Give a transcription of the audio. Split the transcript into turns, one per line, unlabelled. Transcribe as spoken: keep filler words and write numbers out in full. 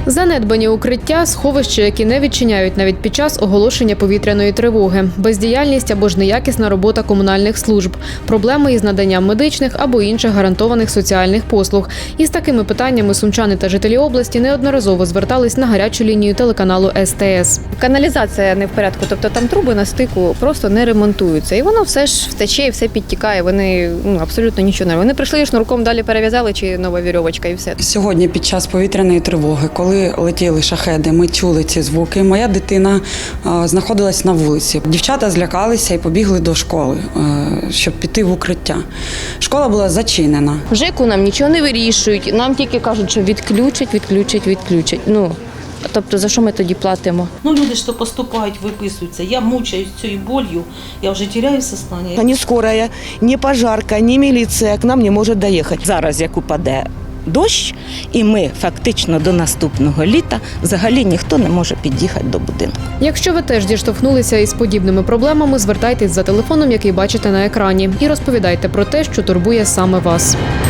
Занедбані укриття – сховища, які не відчиняють навіть під час оголошення повітряної тривоги, бездіяльність або ж неякісна робота комунальних служб, проблеми із наданням медичних або інших гарантованих соціальних послуг. Із такими питаннями сумчани та жителі області неодноразово звертались на гарячу лінію телеканалу Ес Те Ес.
Каналізація не в порядку, тобто там труби на стику просто не ремонтуються. І воно все ж втече і все підтікає, вони ну, абсолютно нічого не. Вони прийшли і шнурком далі перев'язали, чи нова вірьовочка і все.
Сьогодні під час повітряної тривоги, коли летіли шахеди, ми чули ці звуки. Моя дитина а, знаходилась на вулиці. Дівчата злякалися і побігли до школи, а, щоб піти в укриття. Школа була зачинена.
В ЖЕКу нам нічого не вирішують, нам тільки кажуть, що відключать, відключать, відключать. Ну, тобто за що ми тоді платимо?
Ну, люди, що поступають, виписуються. Я мучаюсь цією болью, я вже теряю сознання.
Ні скорая, ні пожарка, ні міліція к нам не може доїхати.
Зараз, як упаде дощ, і ми фактично до наступного літа взагалі ніхто не може під'їхати до будинку.
Якщо ви теж діштовхнулися із подібними проблемами, звертайтесь за телефоном, який бачите на екрані, і розповідайте про те, що турбує саме вас.